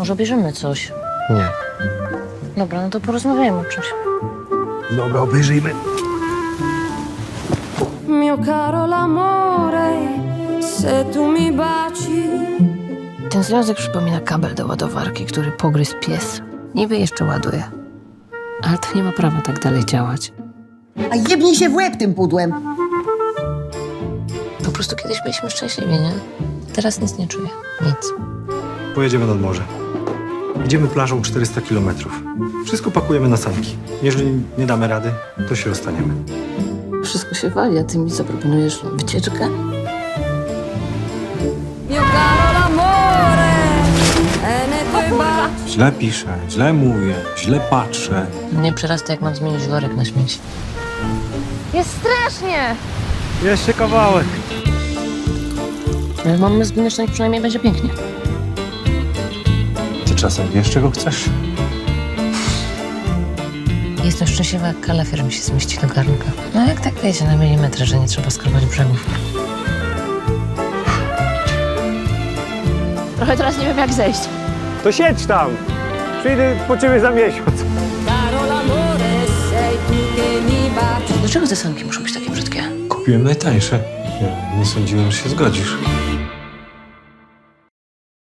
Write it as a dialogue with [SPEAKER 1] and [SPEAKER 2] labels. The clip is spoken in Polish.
[SPEAKER 1] Może bierzemy coś.
[SPEAKER 2] Nie.
[SPEAKER 1] Dobra, no to porozmawiajmy o czymś.
[SPEAKER 2] Dobra, obejrzyjmy.
[SPEAKER 3] Mio caro l'amore, se tu mi baci.
[SPEAKER 1] Ten związek przypomina kabel do ładowarki, który pogryzł pies. Niby jeszcze ładuje. Ale to nie ma prawa tak dalej działać.
[SPEAKER 4] A jebnij się w łeb tym pudłem.
[SPEAKER 1] Po prostu kiedyś byliśmy szczęśliwi, nie? Teraz nic nie czuję. Nic.
[SPEAKER 2] Pojedziemy nad morze. Idziemy plażą 400 kilometrów. Wszystko pakujemy na sanki. Jeżeli nie damy rady, to się rozstaniemy.
[SPEAKER 1] Wszystko się wali, a ty mi zaproponujesz wycieczkę?
[SPEAKER 3] Mio caro l'amore, nei tuoi baci.
[SPEAKER 5] Źle piszę, źle mówię, źle patrzę.
[SPEAKER 1] Mnie przerasta, jak mam zmienić worek na śmieci. Jest strasznie!
[SPEAKER 2] Jeszcze kawałek.
[SPEAKER 1] Ale mamy zginąć, to przynajmniej będzie pięknie.
[SPEAKER 5] Ty czasem wiesz, czego chcesz?
[SPEAKER 1] Jestem szczęśliwa, jak kalafior mi się zmieści do garnka. No jak tak wiecie na milimetry, że nie trzeba skrobać brzegów. Trochę teraz nie wiem, jak zejść.
[SPEAKER 2] To siedź tam. Przyjdę po ciebie za miesiąc.
[SPEAKER 3] Caro l'amore, sei tu che mi baci.
[SPEAKER 1] Dlaczego te sanki muszą być takie brzydkie?
[SPEAKER 5] Kupiłem najtańsze. Nie sądziłem, że się zgodzisz.